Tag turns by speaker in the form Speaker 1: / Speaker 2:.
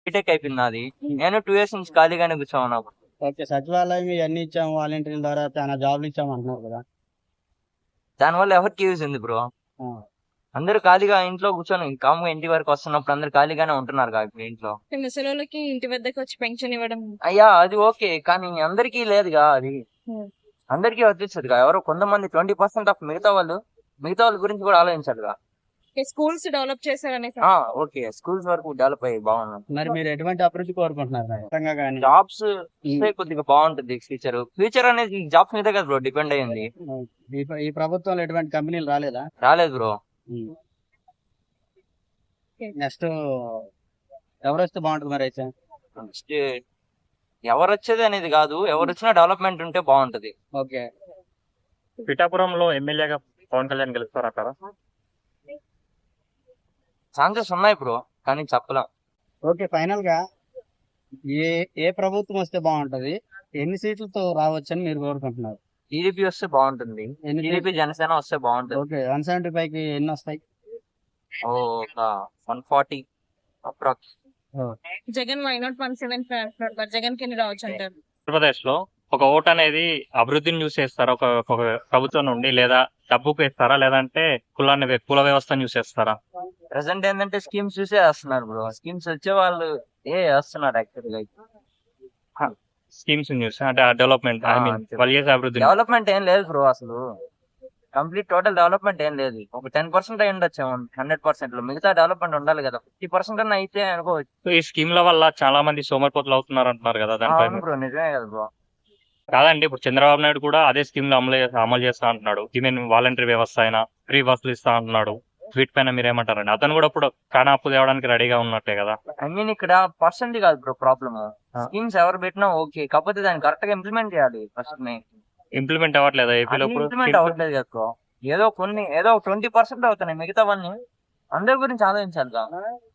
Speaker 1: BTech అయిపోయింది నాది. నేను 2 ఇయర్స్ నుంచి ఖాళీగానే కూర్చోమన్నా.
Speaker 2: ఓకే. సచివాలయం ఇవన్నీ ఇచ్చాము, వాలంటీర్ల ద్వారా చాలా జాబ్లు ఇచ్చాము అంటున్నారు కదా.
Speaker 1: దానివల్ల ఎవరికి యూజ్ ఉంది బ్రో?
Speaker 2: ఆ,
Speaker 1: అందరూ ఖాళీగా ఇంట్లో కూర్చొని కామ్గా ఇంటి వరకు వస్తున్నప్పుడు అందరు ఖాళీగానే ఉంటున్నారు కదా ఇప్పుడు ఇంట్లో.
Speaker 3: ముసలోళ్ళకి ఇంటి వద్దకు వచ్చి పెన్షన్ ఇవ్వడం.
Speaker 1: అయ్యా అది ఓకే, కానీ అందరికీ లేదుగా అది.
Speaker 3: ఉమ్.
Speaker 1: అందరికీ వర్తించదుగా. ఎవరో కొంతమంది 20% ఆఫ్ మిగతా వాళ్ళ గురించి కూడా ఆలోచించాలిగా.
Speaker 3: స్కూల్స్ డెవలప్ చేశారనే
Speaker 1: ఓకే, స్కూల్స్ వరకు డెవలప్ అయ్యి బాగున్నాం.
Speaker 2: మరి మీరు ఎటువంటి అభివృద్ధి కోరుకుంటున్నారు ఖచ్చితంగా కానీ?
Speaker 1: జాబ్స్ కొద్దిగా బాగుంటుంది ఫ్యూచర్ అనేది జాబ్స్ మీద కదా బ్రో డిపెండ్ అయ్యింది.
Speaker 2: ఈ ప్రభుత్వంలో ఎటువంటి కంపెనీలు రాలేదా?
Speaker 1: రాలేదు బ్రో.
Speaker 2: నెక్స్ట్ ఎవరు వస్తే బాగుంటుంది మరి అయితే?
Speaker 1: నెక్స్ట్ ఎవరు వచ్చేది అనేది కాదు, ఎవరు వచ్చినా డెవలప్మెంట్ ఉంటే బాగుంటది.
Speaker 2: ఓకే.
Speaker 4: పిఠాపురంలో ఎమ్మెల్యేగా పవన్ కళ్యాణ్ గెలుస్తారంటారా?
Speaker 1: ఛాన్సెస్ ఉన్నాయి బ్రో, కానీ చెప్పలేం.
Speaker 2: ఓకే, ఫైనల్ గా ఏ ఏ ప్రభుత్వం వస్తే బాగుంటది, ఎన్ని సీట్లతో రావచ్చని మీరు కోరుకుంటున్నారు?
Speaker 1: టీడీపీ వస్తే బాగుంటుంది.
Speaker 2: ఎన్ని
Speaker 1: టీడీపీ జనసేన వస్తే బాగుంటుంది.
Speaker 2: ఓకే, 175 కి ఎన్ని వస్తాయి?
Speaker 1: ఒక 140 approx.
Speaker 3: Jagan why not 175 Jagan కి ఎన్ని రావచ్చు అంటారు?
Speaker 4: ఆంధ్రప్రదేశ్ లో ఒక ఓట్ అనేది అభివృద్ధిని చూసి వేస్తారా ఒక ప్రభుత్వం నుండి, లేదా డబ్బుకు వేస్తారా, లేదంటే కుల వ్యవస్థను చూసి వేస్తారా?
Speaker 1: ప్రెసెంట్ ఏంటంటే స్కీమ్స్ చూసే వేస్తున్నారు బ్రో. స్కీమ్స్ వచ్చే వాళ్ళు వేస్తున్నారు యాక్చువల్ గా.
Speaker 4: స్కీమ్స్ చూసి అంటే డెవలప్మెంట్, ఐ మీన్ వాళ్ళు చేసే అభివృద్ధి.
Speaker 1: డెవలప్మెంట్ ఏం లేదు బ్రో అసలు. కంప్లీట్ టోటల్ డెవలప్మెంట్ ఏం లేదు. ఒక 10% అయి ఉండొచ్చు 100% లో. మిగతా డెవలప్మెంట్ ఉండాలి కదా. 50% అన్న అయితే అనుకోవచ్చు.
Speaker 4: సో ఈ స్కీమ్ల వల్ల చాలా మంది సోమరిపోతులు అవుతున్నారు అంటున్నారు కదా, దానిపై
Speaker 1: అవును బ్రో, నిజమే కదా బ్రో.
Speaker 4: కాదండి, ఇప్పుడు చంద్రబాబు నాయుడు కూడా అదే స్కీమ్ లో అమలు చేస్తా అంటున్నాడు. ఈవెన్ వాలంటరీ వ్యవస్థ అయినా ఫ్రీ బస్సులు ఇస్తా అంటున్నాడు. వీటిపైన మీరేమంటారండి? అతను కూడా ఇప్పుడు ప్రాణాపు తేవడానికి రెడీగా ఉన్నట్టే కదా.
Speaker 1: ఐ మీన్ ఇక్కడ పర్సెంట్ కాదు బ్రో ప్రాబ్లమ్. స్కీమ్స్ ఎవరు పెట్టినా ఓకే, కాకపోతే దాన్ని కరెక్ట్ గా ఇంప్లిమెంట్ చేయాలి. ఫస్ట్
Speaker 4: ఇంప్లిమెంట్ అవ్వట్లేదు ఏపీలో.
Speaker 1: ఇంప్లిమెంట్ అవ్వట్లేదు కదా బ్రో. ఏదో 20% అవుతున్నాయి. మిగతావన్నీ అందరి గురించి ఆలోచించాలి కదా.